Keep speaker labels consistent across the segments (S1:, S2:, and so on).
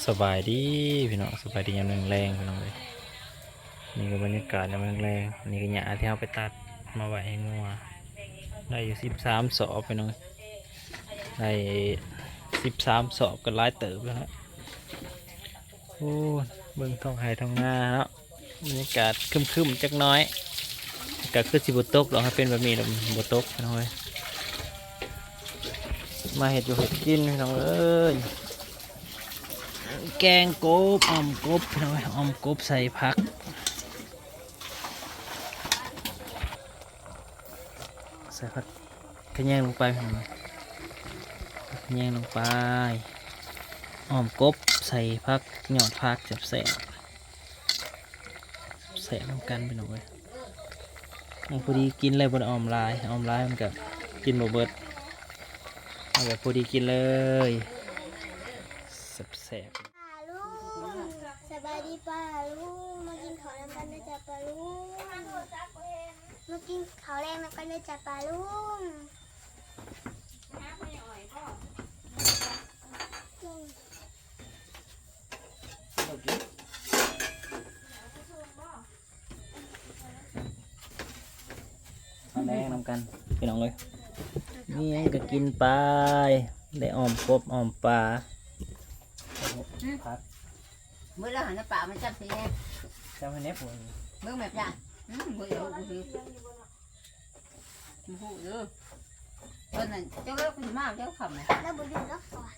S1: สบายดีพี่น้องสบายดียามแรงๆพี่น้องเลยนี่ก็บรรยากาศยามแรงๆนี่ก็หญ้าที่เอาไปตัดมาไว้ให้งัวได้อยู่13 สอบพี่น้องได้13 สอบก็หลายเติบแล้วฮะโอ้เบิ่งท้องไห่ท้องนาเนาะบรรยากาศครึมๆจักหน้อยก็คือสิบ่ตกหรอกครับเป็นแบบนี้แล้วบ่ตกพี่น้องเอ้ยมาเห็ดอยู่เห็ดกินพี่น้องเอ้ย แกงกบอ่อมกบพี่น้องอ่อมกบใส่ผักใส่ผักขยงลงไปพี่น้องขยงลงไปอ่อมกบใส่ผักหยอดผักแสบแสบน้ำกันพี่น้องเลยพอดีกินเลยบนอ่อมลายมันก็กินบ่เบิดเอาแบบพอดีกินเลยแสบ
S2: ป้าลุงสบายดีป้าลุงมากินข้าวแรงกันนะจ๊ะป้าลุงมากินข้าวแรงกันนะจ๊ะป้าลุง
S1: แดงน้ำกันพี่น้องเลยนี่ก็กินไปได้อ่อมกบอ่อมปลาพัก
S3: mới là nó bảo mà chăm thì em
S1: เจ้าให้เน็บผม
S3: mới mẹp ra mới yếu phụ nữa con này cháu nó cũng mau cháu khẩm này
S2: แล้วบุญรักษา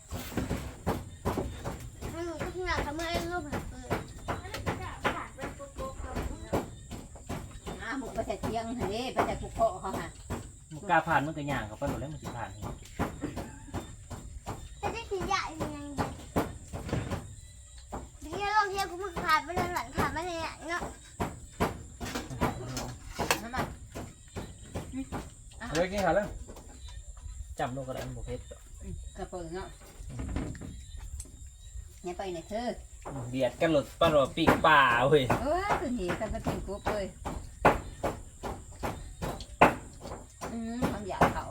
S2: ไม่รู้ที่ไหนทำไมลูกแบบ
S3: một cái thẻ chiêng này đi cái thẻ cục hộ không hả
S1: มันกล้าผ่านมันก็ย่างเขาไปหมดแล้วมันสิผ่าน
S2: จะได้ขี้ใหญ่ยังไงเดี๋ยวลองเที่ยวกูมึงผ่านไปเลยหลังผ่านมาเลยเนาะ
S3: nó mà
S1: เฮ้ยกินข้าวแล้วจำลูกกระดานบุฟเฟ่ต์
S3: cà phê nó nhà bay này thơ
S1: เบียดกันหลุดปลาหลดปีกป่าเว้ย
S3: tôi nghĩ ta có tiền cúp ơi không giả khẩu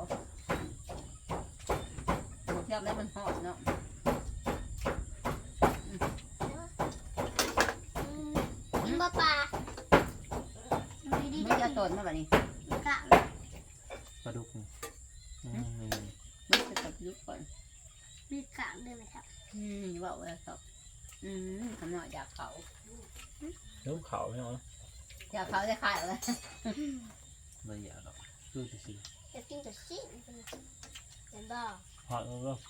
S3: một theo đấy mình hỏi nó
S2: กินบ่ปลาดี
S3: mới ra tuần nó bảo đi
S2: ๆกะ
S1: ปลาดุกนี่
S3: mới sẽ tập giúp còn
S2: มีกะด้วยไหมครับ
S3: vậu là tập không nói giả khẩu
S1: ลูกเขาไม่เอา
S3: giả khẩu sẽ khai rồi
S1: ไม่อยากหรอกดูสิสิ
S2: จะกินแต่ชิ้นเห็นบ่
S1: หอดแล้วก็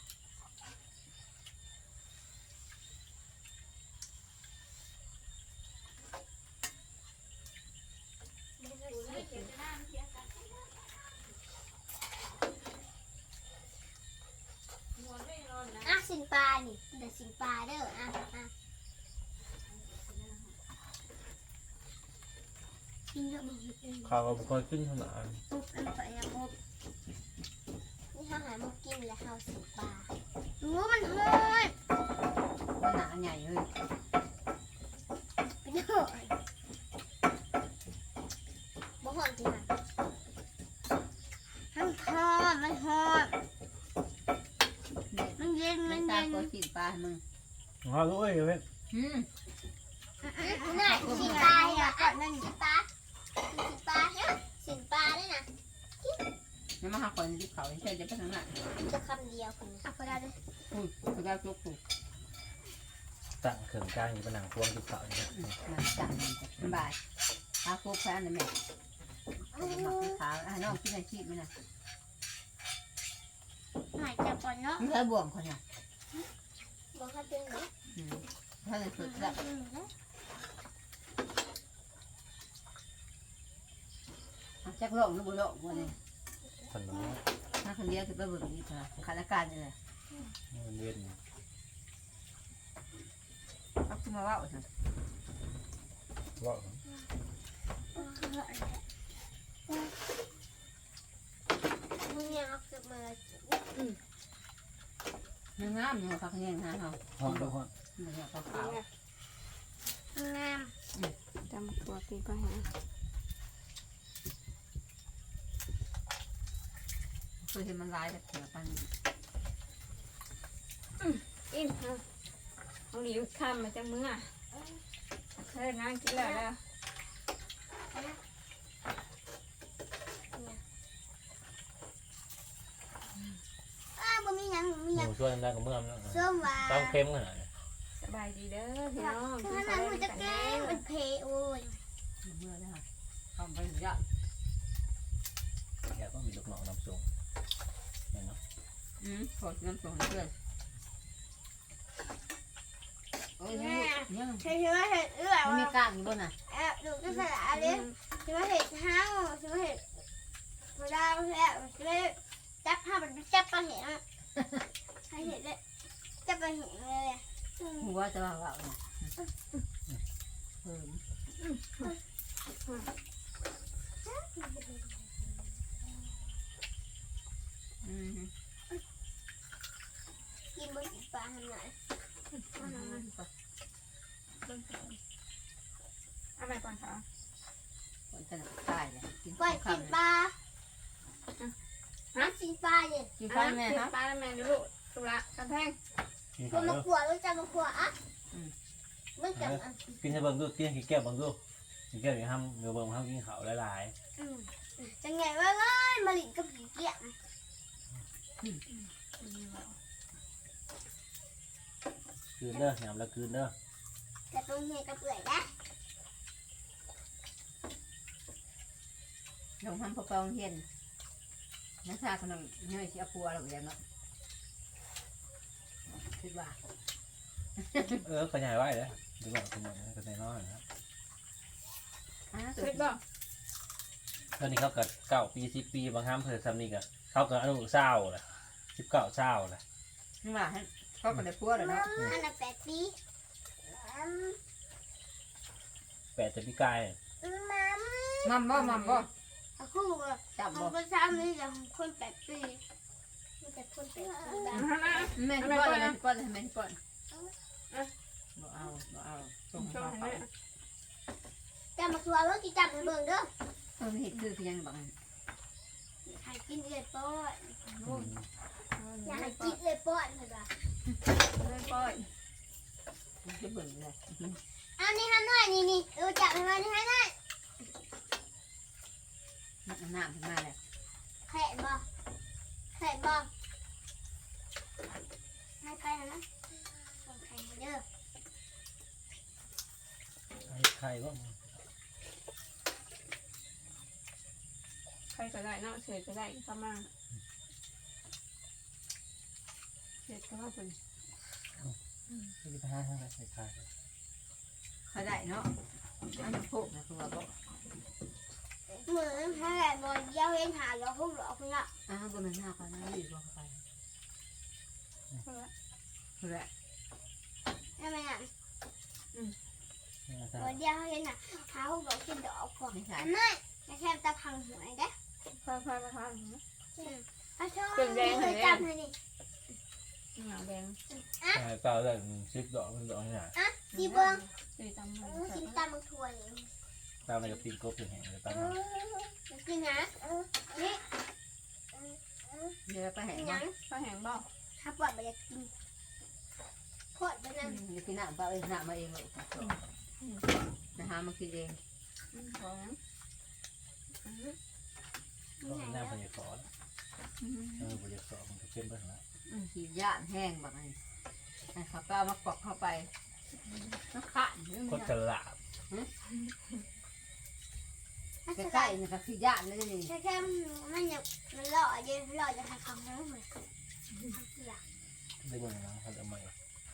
S2: อ่ะสินปลานี่เดี๋ยวสินปลาเด้อกินเยอะมากเลย
S1: ข้าวก็ไม่ค่อยขึ้นขนาด
S2: ปุ๊บแล้วไปนะปุ๊บนี่ข้าวหามากินแล้วข้าวสินปลารู้มันโหด
S3: nó nạ nhảy ơi
S2: เป็นโหดบ่โหดจริงอ่ะมันโหดมันเย็นมัน
S3: ta
S2: เย็น
S3: có chỉ ba mừng
S1: ข้าวด้วยเว้ย
S2: น่ะสินปลาอ่ะก่อนนั่นสินปลาเนี่ยสินปลาด้วยนะ
S3: nó mà học còn đi khẩu chơi cho cái thằng này
S2: จะคำเดียวคุณอ่ะพอได้เลย
S3: ui tôi ra chốt phục
S1: ตั้งเขื่อนกลางอยู่บนหนังพวงที่เขาเนี่ย
S3: mà chẳng bài ta cô phải ăn này mẹ mặc cái khá nó cái này chị mới này
S2: หายจับก่อนเนาะ
S3: nó hơi buồn còn nhỉ
S2: บอกให้เป็นเนาะ
S3: hơi là sụt giận chắc lộn nó bù lộn qua này
S1: คนนี้
S3: nó không biết thì tôi vừa đi thở khá là can như này
S1: มันเวียน
S3: bác cứ mà bảo rồi
S1: ว่า
S2: มึงยังเอาเก็บมา
S3: nó ngám nhưng mà phát hiện ha không
S1: หอดดูหอด
S3: mình là phát khảo
S2: งาม
S4: จำตัวปีก็หา
S3: tôi thì mình lái được kiểu pan
S2: อิ่ม
S4: ต้องหลีบข้ามมาจากมือเฮ้ยนั่งกินแล้วแล้ว
S2: บ่มีหยังบ่มี
S1: ห
S2: หยัง
S1: มูช่วยได้กับเมื่อมแล้ว
S2: ส้มหวาน
S1: ต้องเค็มขนาดนี้
S4: สบายดีเด้อพี่น้อง
S2: ถ้านั้นมันจะแก้มันเพโอ้ย
S3: เมื่อได้ค่ะทำไปเยอะ
S1: แค่ก็มีลูกน้องนำส่งเห็นเนาะ
S3: ขอน้ำส่งเพื่อนโอ้ยยัง
S2: ใช่ว่าเห็ดเอื้อ
S3: มันมีกล้างอยู่บนน่ะ
S2: ดูก็สละเลยใช่ว่าเห็ดเท้าใช่ว่าเห็ดพอดาวแล้วใช่ว่าจับผ้ามันจับปลาเห็นใช่เห็ดเลยจับปลาเห็นเลย
S3: หัวจะว่าว่าเนี่ยเพิ่มอืม
S2: กินบนปลาทำไง
S4: เอาไปก่อนค่ะ
S3: คนจะตายเลยกิน
S2: ปล่อยกินปลาฮะกินปลาเนี่ย
S3: กินข้าวแม่ครับ
S4: ปลาแม่ดูลูกสุระกระแพง
S1: กิน
S2: มั
S1: ข้าวน
S2: มา
S1: เด้อ
S2: ขวดรู้จักมาขวดอ่ะมันจัง
S1: กินให้เบิ่งดูกินขี้แก้วเบิ่งดูขี้แก้วอย่างห้ามเนื้อเบิ่งห้ามกินข้าวหลาย
S2: จังไงว่าเอ้ยมาหลินกับผีเกี้ย
S1: ๆคืนเด้อยำแล้วคืนเด้อ
S2: แต่ตรงนี้ก็เปื่อยนะ
S3: ลงทำพอเปาเห็นนักชาคนนึงเงยเสียปัวหรือยังเนาะคิดว่า
S1: ขยายไว้เลยดีกว่าขยายก็ได้น้อยนะ
S4: เสร็จบ่
S1: ตอนนี้เขาเกิด9 ปี10 ปีบางครั้งเพิ่นซ้ำนี่ก็เขาเกิดอนุเศร้าแหละ19เศร้าแหละ
S3: นี่ว่าให้เขาก็ได้ปัวเลยเนาะ
S2: อันละ8 ปี
S1: 8 จะปีกาย
S2: มัม
S3: มัมบ่
S2: เอาคู่
S3: จับ
S2: ข
S3: บ่
S2: องประชาชนจะคน8 ปีมันจะคน8 ปีแบบ
S3: แม่ป้อนเลยป้อนเลยแม่ป้อนบ่เอาส่ง
S4: ช่ว
S3: เขา
S4: ง
S3: ไป
S4: นี้
S2: จะมาทัวร์รถที่จับมาเบิ่งเด้อ
S3: เห็ดคือยังบัง
S2: ให้กินเลยป้อน
S1: อืม
S2: อยากให้กินเลยป้อนเลยว่ะ
S4: เลยปล่อย
S3: จะเบิ่งเลย
S2: เอานี่ให้หน่อยนี่จับให้มานี่ให้หน่อย
S3: น้ำขึ้นมาเลย
S2: แขนบ่แขนบ่ให้ใครนะส่งแขนเด้อ
S1: ใครบ้าง
S4: ใครก็ได้เนาะเสร็จก็ได้ก็มาเสร็จก็มาเป็น
S1: ที่พาใคร
S3: เขาได้เนาะอันนี้พวกนะคือว่าบ่
S2: เหมือนให้บ่เยี่ยวเห็นหาเราพุ่งหลอกคุณละ
S3: บ่มันหน้ากันนะอยู่บ่ไปคือแหละ
S2: ใช่ไหมอ่ะ
S1: ใคร
S2: บ่เยี่ยวเห็นน่ะหาพุ่งหลอกกินดอกก่อนอันนั้นแค่ตะพังหวยเด้
S4: พามาทาน
S2: อาชอบเคยจับเลยนี่
S4: หนาแดง
S1: เปล่าเลย10 ดอกมันดอกนี่น่ะ
S2: อ่ะสีเบิ้ง
S4: ตีตำมัน
S2: กินตามมังทัวนี่
S1: ตามในกับปีนกบถึงแห่งเลยตาม
S2: กินนะนี่
S3: เดี๋ยวไปแห่
S2: กิน
S3: มา
S2: ยัง
S4: ข้าวแห้งบ่
S2: ถ้าปวดไปอยากกินปวดไปนั่น
S3: เดี๋ยวกินน้ำเปล่าเองน้ำมาเองเลยนะฮะมากินเอง
S4: พอแล้ว
S1: ก็หน้าพยากรณ์พยากรณ์มันก็เข้มไปแล้ว
S3: ขี้ย่านแห้งแบบนี้ให้ข้าวเปล่ามากรอกเข้าไปน้ำขัน
S1: คนฉลาด
S3: ใกล้ๆนี่ก็ขี้ย่านเลยนี่
S2: แค่มันอยากมันหล่อเย็นหล่อจะทำคำนั้นเหมือน
S1: ได้เบิ่งนะเขาจะไม่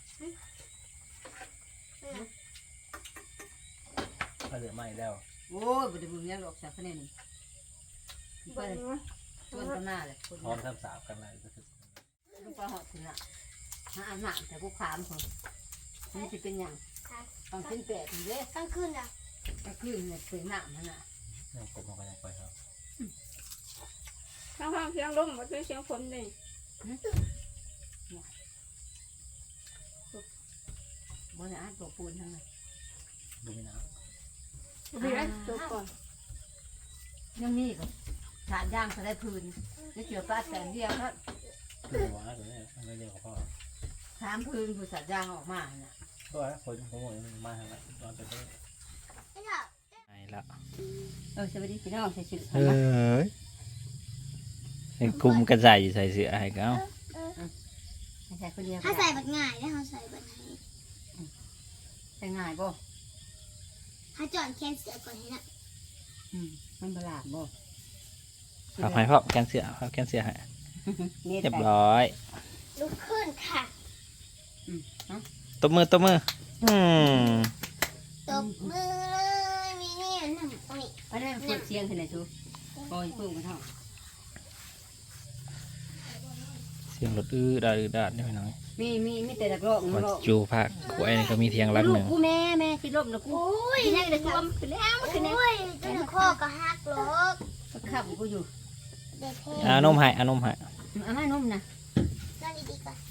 S1: เขาเหลือไม่แล้ว
S3: โอ้ยบไดบุญยังหรอกจากคะแนนนี่เพิ่นชวนกันหน้าเลยคน
S1: พร้อมทำสาบกันเลยก็คือ
S3: ลูกปลาหอดถึงอ่ะหาอาหารแต่พวกขามคนนี่จะเป็นอย่างต้องเป็นแปดอยู่เด้
S2: กลางคืนอ่ะ
S3: ก็คือเนี่ยเป็นหนามมันอ่ะ
S1: ยังกบมันก็ยังไปครับ
S4: ข้าวเสียงลมหมดเลยเสียงฝนเลย
S3: บนอาตัวปูนทั้งนั้น
S1: ดูไม่น้
S4: ดีเลยจบก่อน
S3: ยังมีก็ฐานย่างเขาได้พื้นจะเกี่ยวปลาแสนเดียวครับ
S1: ำคือว่าตัวนี้มันเรียกว่าพ่อ
S3: ถามพื้นผู้สัตว์ย่างออกมาเนี่ย
S5: ตัวนะคนผมบอกมันมาทางนั้นตอนเป็นเด็ก
S2: ไอ้เถอะ
S1: ไปแล้ว
S3: สวัสดีพี่น้องใส่ชุด
S1: เอ้ยเป็นกลุ่มกระจายอยู่ใส่เสื้อให้เขา
S3: ใส่คนเดียว
S2: ถ้าใส่แบบง่ายได้เขาใส่แบบไหน
S3: ใส่ง่ายบ่
S2: ถ้าจอดแขนเสือก่อนให้นะ
S3: มันบลาบบ่
S1: เอาให้พ่อแกนเสื้อเอาแกนเสื้อให้
S3: เน็ต
S1: เรียบ
S3: ไป
S1: ร้อย
S2: ลุกขึ้นค่ะ
S1: ตบมือตบมืออืม
S2: ตบมือเลยมีนี่หนึ่งโอ้ย
S3: อันนั้นเปิดเสียงที่ไหนชูโอ้ยพึ่งกันเท่า
S1: เสียงรถอื้อดาดนี่พี่น้อง
S3: มีแต่ตะกร้อง
S1: วัดจูภาคขวายนี่ก็มีเทียงรักหนึ่ง
S3: กูแม่คิดลบนะกู
S2: โอ้ย
S3: กินได้เลยกูอ้ำขึ้นแล้วขึ้นแล้ว
S2: โอ้ยจนคอก็หักหรอก
S3: ขับกูอยู่
S2: เด็กเพล
S1: อานมให้อานมให้
S3: อาม่านมนะ
S2: นอนดีๆก่อน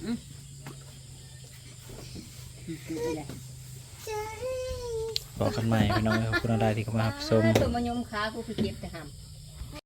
S2: จะให้
S1: บอกกันใหม่พี่น้องขอบคุณอะไรที่เข้ามารับชม
S3: ตัวมายมขากูคือเก็บแต่หำ